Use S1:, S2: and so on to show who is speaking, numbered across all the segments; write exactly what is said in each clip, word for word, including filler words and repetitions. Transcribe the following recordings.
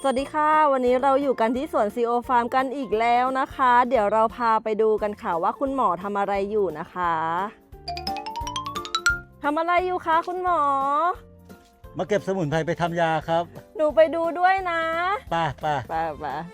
S1: สวัสดีค่ะวันนี้เราอยู่กันที่สวนซีโอฟาร์มกันอีกแล้วนะคะ เดี๋ยวเราพาไปดูกันค่ะว่าคุณหมอทำอะไรอยู่นะคะทำอะไรอยู่คะคุณหมอ
S2: มาเก็บสมุนไพรไปทำยาครับ
S1: หนูไปดูด้วยนะ
S2: ป่าป่า
S1: ป่าป่า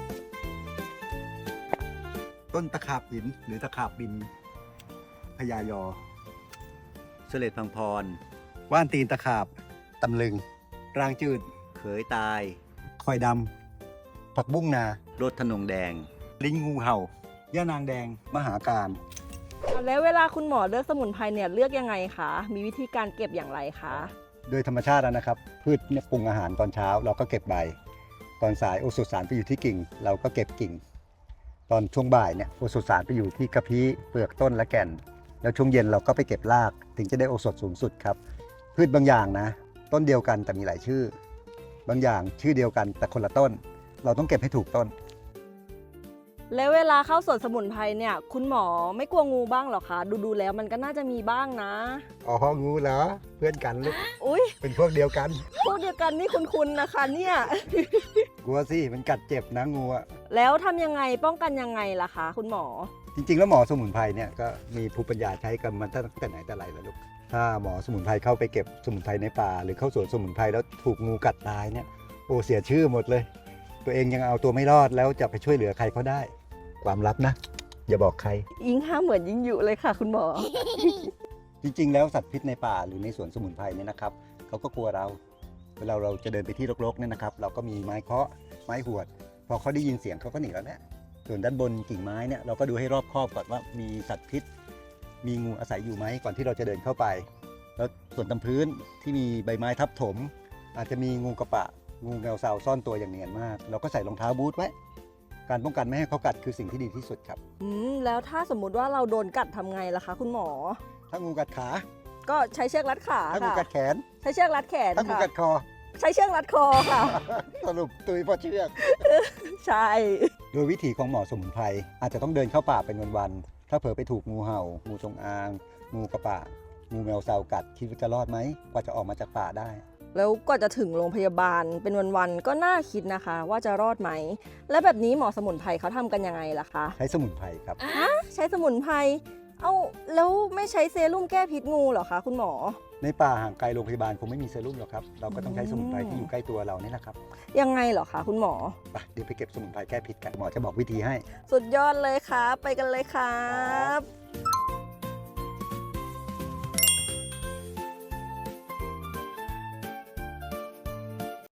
S3: ต้นตะขาบหินหรือตะขาบบินพญายอ
S2: เสลดพังพร
S3: ว่านตีนตะขาบตำลึงรางจืด
S2: เขยตาย
S3: คอยดำผักบุ้งนาร
S2: ถธนงแดง
S3: ลิ้นงูเห่าย่านางแดงมหาการ
S1: แล้วเวลาคุณหมอเลือกสมุนไพรเนี่ยเลือกยังไงคะมีวิธีการเก็บอย่างไรคะ
S3: โดยธรรมชาติแล้วนะครับพืชเนี่ยปรุงอาหารตอนเช้าเราก็เก็บใบตอนสายโอโซสารไปอยู่ที่กิ่ง เราก็เก็บกิ่ง ตอนช่วงบ่ายเนี่ยโอโซสารไปอยู่ที่กระพี้เปลือกต้นและแก่น แล้วช่วงเย็นเราก็ไปเก็บรากถึงจะได้โอโซสูงสุดครับพืชบางอย่างนะต้นเดียวกันแต่มีหลายชื่อบางอย่างชื่อเดียวกันแต่คนละต้น เราต้องเก็บให้ถูกต้น
S1: แล้วเวลาเข้าสวนสมุนไพรเนี่ยคุณหมอไม่กลัวงูบ้างหรอคะดูดูแล้วมันก็น่าจะมีบ้างนะ
S3: อ๋องูเหรอเพื่อนกันลูก
S1: อุ้ย
S3: เป็นพวกเดียวกัน
S1: พวกเดียวกันนี่คุณๆนะคะเนี่ย
S3: กลัวสิมันกัดเจ็บนะงูอะ
S1: แล้วทำยังไงป้องกันยังไงล่ะคะคุณหมอ
S3: จริงๆแล้วหมอสมุนไพรเนี่ยก็มีภูมิปัญญาใช้กันมาตั้งแต่ไหนแต่ไรแล้วลูกถ้าหมอสมุนไพรเข้าไปเก็บสมุนไพรในป่าหรือเข้าสวนสมุนไพรแล้วถูกงูกัดตายเนี่ยโอ้เสียชื่อหมดเลยตัวเองยังเอาตัวไม่รอดแล้วจะไปช่วยเหลือใครเขาได้ความลับนะอย่าบอกใคร
S1: ยิ่งห้ามเหมือนยิ่งอยู่เลยค่ะคุณหมอ
S3: จริงๆแล้วสัตว์พิษในป่าหรือในสวนสมุนไพรเนี่ยนะครับเขาก็กลัวเราเวลาเราจะเดินไปที่รกๆเนี่ยนะครับเราก็มีไม้เคาะไม้หวดพอเขาได้ยินเสียงเขาก็หนีแล้วเนี่ยส่วนด้านบนกิ่งไม้เนี่ยเราก็ดูให้รอบคอบก่อนว่ามีสัตว์พิษมีงูอาศัยอยู่ไหมก่อนที่เราจะเดินเข้าไปแล้วส่วนตามพื้นที่มีใบไม้ทับถมอาจจะมีงูกระปะงูแมวเซาซ่อนตัวอย่างเนียนมากเราก็ใส่รองเท้าบูทไว้การป้องกันไม่ให้เขากัดคือสิ่งที่ดีที่สุดครับ
S1: อืมแล้วถ้าสมมุติว่าเราโดนกัดทำไงล่ะคะคุณหมอ
S3: ถ้างูกัดขา
S1: ก็ใช้เชือกรัดขา
S3: ถ้างูกัดแขน
S1: ใช้เชือกรัดแขน
S3: ถ้างูกัดคอ
S1: ใช้เชือกรัดคอค่ะ
S3: สรุปตุยเพราะเชือก
S1: ใช่
S3: โดยวิถีของหมอสมุนไพรอาจจะต้องเดินเข้าป่าเป็นวันๆถ้าเผลอไปถูกงูเห่างูจงอางงูกระปะงูแมวเซากัดคิดว่าจะรอดไหมกว่าจะออกมาจากป่าได้
S1: แล้วกว่าจะถึงโรงพยาบาลเป็นวันๆก็น่าคิดนะคะว่าจะรอดไหมแล้วแบบนี้หมอสมุนไพรเขาทำกันยังไงล่ะคะ
S3: ใช้สมุนไพรครับ
S1: ฮะใช้สมุนไพรเอาแล้วไม่ใช้เซรุ่มแก้พิษงูเหรอคะคุณหมอ
S3: ในป่าห่างไกลโรงพยาบาลคงไม่มีเซรุ่มหรอกครับเราก็ต้องใช้สมุนไพรที่อยู่ใกล้ตัวเรานี่แหละครับ
S1: ยังไงเหรอคะคุณหมอ
S3: ไปเดี๋ยวไปเก็บสมุนไพรแก้พิษกันหมอจะบอกวิธีให้
S1: สุดยอดเลยครับไปกันเลยครับ